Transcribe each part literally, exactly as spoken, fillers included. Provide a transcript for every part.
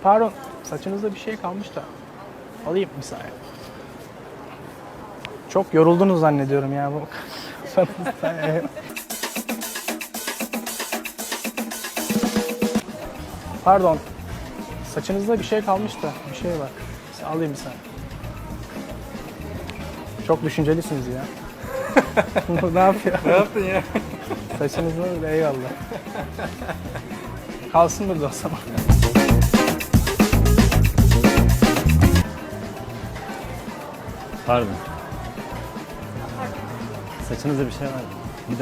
Pardon, saçınızda bir şey kalmış da. Alayım bir saniye. Çok yoruldunuz zannediyorum ya bu. Pardon, saçınızda bir şey kalmış da bir şey var. Alayım bir saniye. Çok düşüncelisiniz ya. Ne yapıyor? Ne yaptın ya? Saçınızda öyle, eyvallah. Kalsın burada o zaman. Pardon. Saçınızda bir şey var mı? Bir de.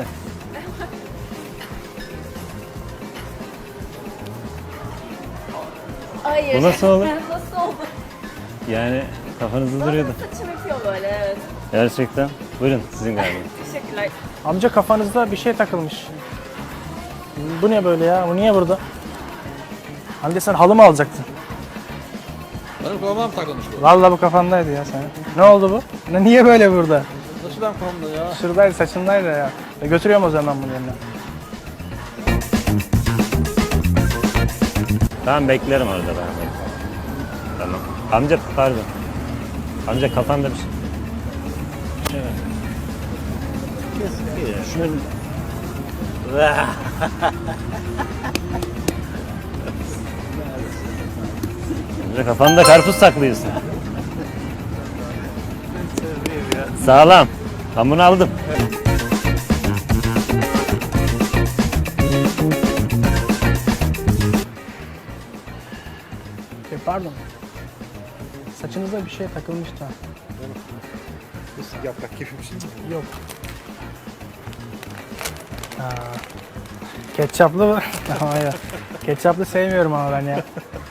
Hayır. Bu nasıl olur? Nasıl oldu? Yani kafanızda Bana duruyordu. saçım yapıyor böyle, evet. Gerçekten. Buyurun sizin galiba. Teşekkürler. Amca kafanızda bir şey takılmış. Bu ne böyle ya? Bu niye burada? Hande sen halı mı alacaktın? Benim kafama mı takılmış bu? Vallahi bu kafandaydı ya senin. Ne oldu bu? Ne, niye böyle burada? Nasıl ben kafamda ya? Şuradaydı, saçındaydı ya. E, götürüyorum o zaman bunu yerine. Tamam beklerim orada ben. Beklerim. Tamam. Amca pardon. Amca kafanda bir şey. Evet. Şunu... Amca kafanda karpuz saklıyorsun. Sağlam. Ben bunu aldım. E, pardon. Saçınıza bir şey takılmış da. Yaprak gibi bir şey. Yok. Aa, ketçaplı mı? Hayır. Ketçaplı sevmiyorum ama ben ya.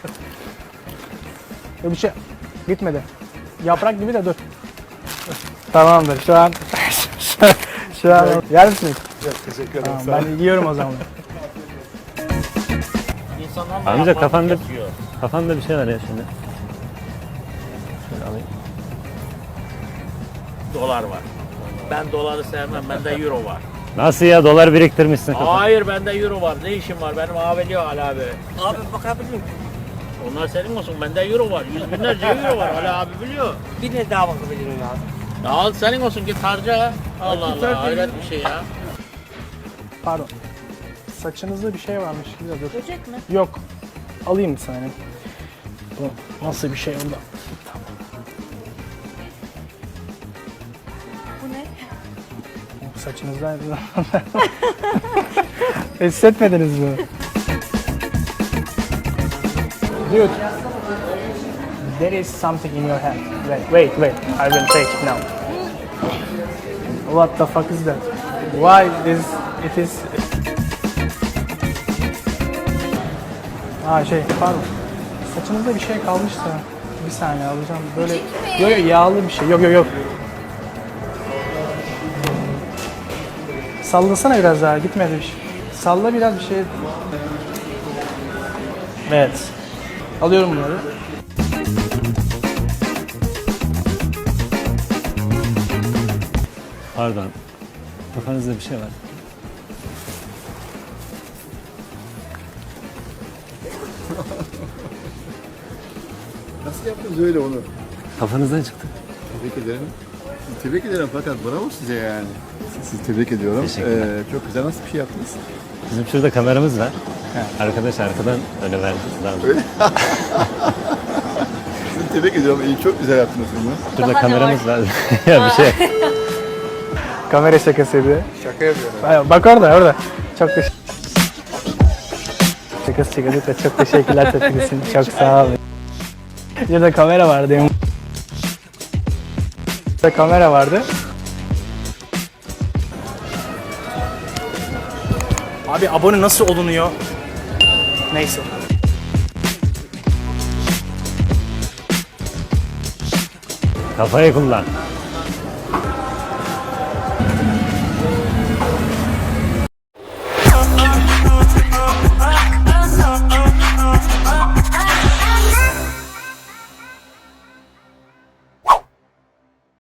Yok bir şey gitmedi. Yaprak gibi de dur. Tamamdır şu an. şu, şu an yer misiniz? Yok teşekkür ederim. Tamam, ben yiyorum o zaman. Amca kafanda kafanda bir şey var ya şimdi. Şöyle alayım. Dolar var. Ben doları sevmem. Bende euro var. Nasıl ya, dolar biriktirmişsin kafanda? Hayır, bende euro var. Ne işim var? Benim aveliyor Ali abi. Abi bakabilir miyim? Onlar senin olsun. Bende euro var. Yüz binlerce euro var. Ali abi biliyor. Bir ne daha bakabilirim abi? Ya al senin olsun. Git harca. Allah Allah. Hayret bir şey ya. Pardon. Saçınızda bir şey varmış gibi de dur. Böcek mi? Yok. Alayım bir saniye. Bu nasıl bir şey oldu? Bu ne? Saçınızdaydı. Hissetmediniz mi? Dude, there is something in your hand. Wait, wait, wait. I will take it now. What the fuck is that? Why is it is? Aa şey, pardon. Saçınızda bir şey kalmışsa bir saniye alacağım. Böyle yok yok yağlı bir şey. Yok yok yok. Sallasana biraz daha, gitmedi bir şey. Salla biraz bir şey. Evet. Alıyorum bunları. Pardon. Kafanızda bir şey var. Nasıl yaptınız öyle onu? Kafanızdan çıktı. Tebrik ederim. Tebrik ederim fakat bravo size yani. Sizi tebrik ediyorum. Teşekkürler. Ee, çok güzel, nasıl bir şey yaptınız? Bizim şurada kameramız var. Arkadaş arkadan öyle verdi. Öyle. Sizi tebrik ediyorum. İyi, çok güzel yaptınız bunu. Şurada Daha ne kameramız var. Ya bir şey. Kamera şakasıydı. Şaka yapıyorum. Ay, bak orada orada. Çok teşekkür Şakası çıkardık da çok teşekkürler tepkiniz için. Çok sağ olun. Burada kamera vardı. Burada kamera vardı. Abi abone nasıl olunuyor? Neyse. Kafayı kullan.